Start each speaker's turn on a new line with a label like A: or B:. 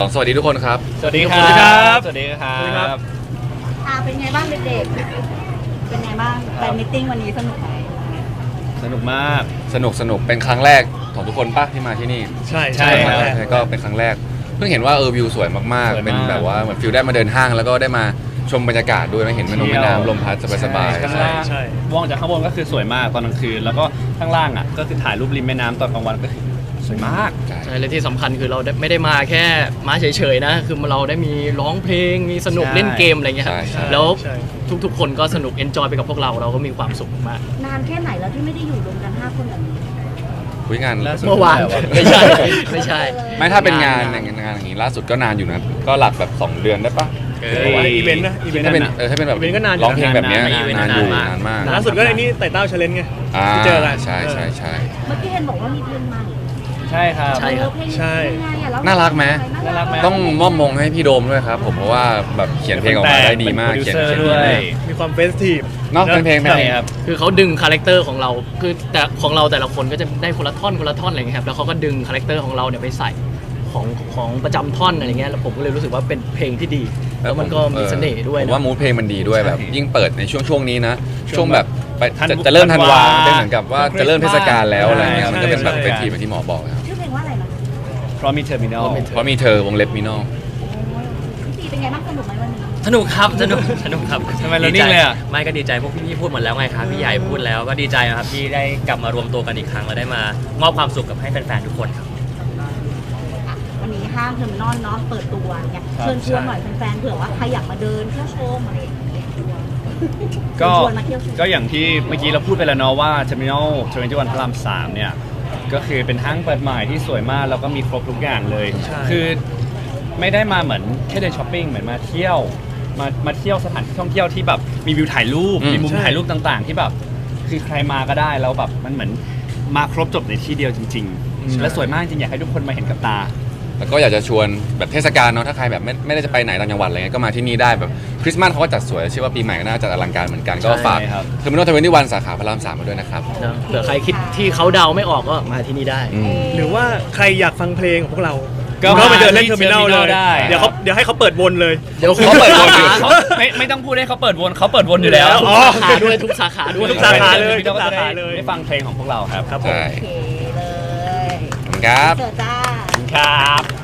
A: สวัสดีทุกคนครับ
B: สวัสดีครับสวัสดีครับ
C: เป็นไงบ้างเด็กๆเป็นไงบ้างแฟนมิทติ้งวันนี้สนุกไหม
B: สนุกมาก
A: สนุกเป็นครั้งแรกของทุกคนป่ะที่มาที่นี่
B: ใช่
A: ครับก็เป็นครั้งแรกเพิ่งเห็นว่าวิวสวยมากๆเป็นแบบว่าเหมือนฟิลได้มาเดินห้างแล้วก็ได้มาชมบรรยากาศด้วยไม่เห็นแม่น้ำลมพัดสบาย
B: ๆใช่มองจากข้างบนก็คือสวยมากตอนกลางคืนแล้วก็ข้างล่างอ่ะก็คือถ่ายรูปริมแม่น้ำตอนกลางวันก็คือสวยมาก
D: ใช่และที่สำคัญคือเราไม่ได้มาแค่มาเฉยๆนะคือเราได้มีร้องเพลงมีสนุกเล่นเกมอะไรเงี้ยแล้วทุกๆคนก็สนุกเอนจอยไปกับพวกเราก็มีความสุขมาก
C: นานแค่ไหนแล้วที่ไม่ได้อยู่รวมกัน5 คนแบบนี้
A: คุยงาน
D: เมื่อวานไม่ใช่
A: ไม่ถ้าเป็นงานอย่างนี้ล่าสุดก็นานอยู่นะก็หลักแบบ2 เดือนได้ปะ
B: อีเวนต์นะ
A: ถ้าเป็นแบบร้องเพลงแบบนี้นานอยู่นานมาก
B: ล่าสุดก็ในนี้ไต่เต้าเชลเลนไงที่เจอกัน
A: ใช่
C: เมื่อกี้เห็นบอกว่ามีเพลงใหม่
B: ใช่ครับ
A: ใช่น่ารักไหมต้องมอบมงให้พี่โดมด้วยครับผมเพราะว่าแบบเขียนเพลงออกมาได้ดีมากเขียน
B: ด้วยมีความเฟสทีฟ
A: เนาะเป็นเพลง
D: ครับคือเขาดึงคาแรคเตอร์ของเราคือแต่ของเราแต่ละคนก็จะได้คนละท่อนอะไรเงี้ยครับแล้วเขาก็ดึงคาแรคเตอร์ของเราเนี่ยไปใส่ของประจำท่อนอะไรเงี้ยแล้วผมก็เลยรู้สึกว่าเป็นเพลงที่ดีแล้วมันก็มีเสน่ห์ด้วย
A: นะว่ามูดเพลงมันดีด้วยแบบยิ่งเปิดในช่วงนี้นะช่วงแบบจะเริ่มธันวาเป็นเหมือนกับว่าจะเริ่มเทศกาลแล้วอะไรเงี้ยมันก็เป็นแบบเป็นทีแบบที่หมอบอกครับ
C: ชื่อเพลงว่าอะไรนะ
B: เพราะมีเทอร์มินอล
A: มีเธอวงเล็บมินอล
C: พี่เป็นไงบ้างสนุกไหมวันนี้
D: สนุกครับสนุกครับ
B: ทำไมเรานิ่งเลยอ่ะ
D: ไม่ก็ดีใจพวกพี่พูดหมดแล้วไงครับพี่ใหญ่พูดแล้วก็ดีใจครับที่ได้กลับมารวมตัวกันอีกครั้งแล้วได้มามอบความสุขกับให้แฟนๆทุกคนครับ
C: วันนี้ห้างเทอร์มินอลเนาะเปิดตัวเนี่ยเชิญชวนหน่อยแฟนๆเผื่อว่าใครอยากมาเดินเที่ยวชมอะไรอย่างเงี้ย
B: ก็อย่างที่เมื่อกี้เราพูดไปแล้วเนาะว่า Terminal 21 พระราม 3เนี่ยก็คือเป็นห้างเปิดใหม่ที่สวยมากแล้วก็มีครบทุกอย่างเลยคือไม่ได้มาเหมือนแค่เดินช้อปปิ้งเหมือนมาเที่ยวมาเที่ยวสถานที่ท่องเที่ยวที่แบบมีวิวถ่ายรูปมีมุมถ่ายรูปต่างๆที่แบบคือใครมาก็ได้แล้วแบบมันเหมือนมาครบจบในที่เดียวจริงๆและสวยมากจริงอยากให้ทุกคนมาเห็นกับตา
A: แล้วก็อยากจะชวนแบบเทศกาลเนาะถ้าใครแบบไม่ได้จะไปไหนต่างจังหวัดอะไรเงี้ยก็มาที่นี่ได้แบบคริสต์มาสเขาก็จัดสวยเชื่อว่าปีใหม่ก็น่าจะอลังการเหมือนกันก็ฝากเทอร์มินอล21 สาขาพระราม 3มาด้วยนะครับ
D: เผื่อใครคิดที่เขาเดาไม่ออกก็มาที่นี่ได้
B: หรือว่าใครอยากฟังเพลงของพวกเราก็ไปเดินเล่นเทอร์มินอลเลยเดี๋ยวให้เขาเปิดวนเลย
D: เดี๋ยวเขาเปิดวน
B: ไม่ต้องพูดให้เขาเปิดวนเขาเปิดวนอยู่แล้ว
D: ทุกสาขาด้วย
B: ทุกสาขาเลยได้ฟังเพลงของพวกเราครับ
A: ครับผม
C: โอเคเลย
A: ครับ
C: เจอจ้า
B: ครับ